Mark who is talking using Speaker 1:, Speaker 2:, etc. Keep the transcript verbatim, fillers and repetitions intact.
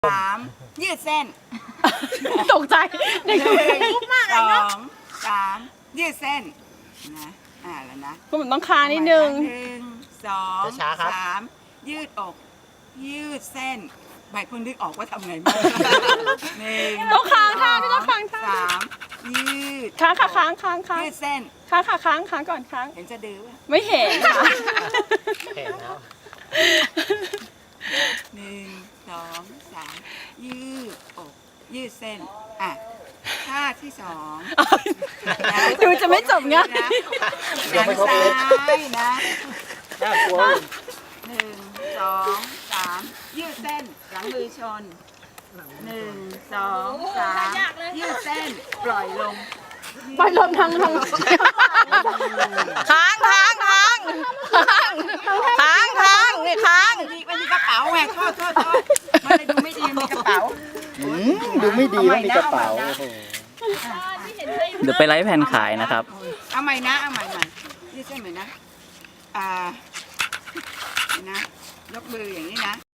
Speaker 1: สามยืดเส้น
Speaker 2: ตกใจเด็ก
Speaker 1: หนึ่งสองสามยืดเส้นนะอ่าแล้วนะ
Speaker 2: ก็มันต้องคานิดนึง
Speaker 1: หนึ่งสองสามยืดอก ยืดเส้นใบเพิ่งนึกออกว่าทำไงบ้างหนึ่ง
Speaker 2: ต้องค้างท่าต้องค้างท่า
Speaker 1: สามยืด
Speaker 2: ค้างค่ะค้างค้างค้าง
Speaker 1: ยืดเส้น
Speaker 2: ค้างค่ะค้างค้างก่อนค้าง
Speaker 1: เห็นจะดื้อป่ะ
Speaker 2: ไม่เห็นค่ะ
Speaker 3: เห็นแล้ว
Speaker 1: หนึ่งสองสามยืดอกยืดเส้นอ่ะท่าที่สองนะ
Speaker 2: ดูจะไม่จบง่าย
Speaker 1: นะหันซ้ายนะ
Speaker 3: น่ากลัว
Speaker 1: หนึ่งสองสามยืดเส้นหลังมือชนหนึ่งสองสามยืดเส้นปล่อยลง
Speaker 2: ปล่อยลมทางทางค้างค้างค้างค้างค้างนี่ค้าง
Speaker 1: มันมีมันมีกระเป๋าไงโทษโทษโทษมันเลยดูไม่ดีมีกระเป๋า
Speaker 3: อืมดูไม่ดีว่ามีกระเป๋าโอ้โห
Speaker 4: เดี๋ยวไปไลฟ์แผ่นขายนะครับ
Speaker 1: เอาใหม่นะเอาใหม่ใหม่ยืดเส้นใหม่นะอ่านะยกมืออย่างนี้นะ